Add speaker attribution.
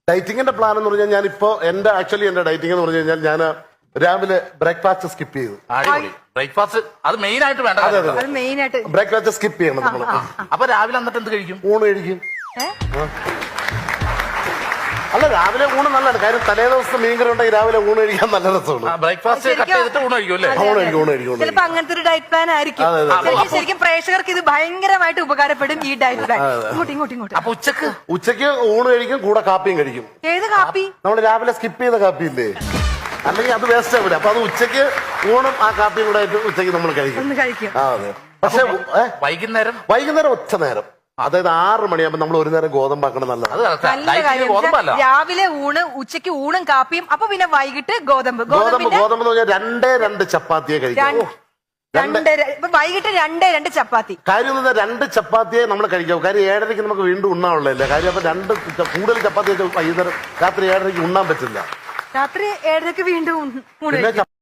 Speaker 1: ഡയറ്റിങ്ങിന്റെ plan എന്ന് പറഞ്ഞാൽ ഞാനിപ്പോ എന്റെ ഡയറ്റിംഗ് എന്ന് പറഞ്ഞു കഴിഞ്ഞാൽ ഞാൻ രാവിലെ ബ്രേക്ക്ഫാസ്റ്റ് സ്കിപ്പ് ചെയ്തു.
Speaker 2: ബ്രേക്ക്ഫാസ്റ്റ് അത് മെയിൻ ആയിട്ട് വേണ്ട.
Speaker 3: അത് മെയിൻ ആയിട്ട്
Speaker 1: ബ്രേക്ക്ഫാസ്റ്റ് സ്കിപ്പ് ചെയ്യണം നമ്മൾ.
Speaker 2: അപ്പൊ രാവിലെ എന്നിട്ട് എന്ത് കഴിക്കും?
Speaker 1: ഊണ് കഴിക്കും. അല്ല, രാവിലെ ഊണ് നല്ലതാണ്. കാര്യം തലേ ദിവസം മീൻകറി ഉണ്ടെങ്കിൽ രാവിലെ ഊണ് കഴിക്കാൻ നല്ല രസമാണ്.
Speaker 2: ബ്രേക്ക്ഫാസ്റ്റ് കട്ട് ചെയ്തിട്ട് ഊണ് കഴിക്കും അല്ലേ?
Speaker 1: ഊണ് കഴിക്കും.
Speaker 3: ചിലപ്പോ അങ്ങനത്തെ ഒരു ഡയറ്റ് പ്ലാൻ ആയിരിക്കും. ശരിക്കും പ്രേക്ഷകർക്ക് ഇത് ഭയങ്കരമായിട്ട് ഉപകാരപ്പെടും ഈ ഡയറ്റ് പ്ലാൻ. ഇങ്ങോട്ട്
Speaker 2: അപ്പൊ
Speaker 1: ഉച്ചക്ക് ഊണ് കഴിക്കും, കൂടെ കാപ്പിയും കഴിക്കും.
Speaker 3: ഏത് കാപ്പി?
Speaker 1: നമ്മൾ രാവിലെ സ്കിപ്പ് ചെയ്ത കാപ്പി ഇല്ലേ, അല്ലെങ്കിൽ അത് വേസ്റ്റ് ആവില്ല. അപ്പൊ അത് ഉച്ചക്ക് ഊണും ആ കാപ്പിയും കൂടെ ആയിട്ട് ഉച്ചക്ക് നമ്മൾ കഴിക്കും. അതെ. പക്ഷെ വൈകുന്നേരം ഒറ്റ നേരം, അതായത് 6 മണിയാകുമ്പോ നമ്മൾ ഒരു നേരം ഗോതമ്പാക്കണം. നല്ലതാണ്.
Speaker 3: രാവിലെ ഊണ്, ഉച്ചക്ക് ഊണും കാപ്പിയും, അപ്പൊ പിന്നെ വൈകിട്ട് ഗോതമ്പ്
Speaker 1: എന്ന് പറഞ്ഞാൽ 2 ചപ്പാത്തിയെ കഴിക്കാം.
Speaker 3: വൈകിട്ട് 2 ചപ്പാത്തി.
Speaker 1: കാര്യം 2 ചപ്പാത്തിയെ നമ്മൾ കഴിക്കാം. കാര്യം 7:30 നമുക്ക് വീണ്ടും ഉണ്ണാനുള്ളതല്ലേ. കാര്യം അപ്പൊ കൂടുതൽ ചപ്പാത്തി വൈകുന്നേരം രാത്രി 7:30 ഉണ്ണാൻ പറ്റില്ല.
Speaker 3: രാത്രി 7:30 വീണ്ടും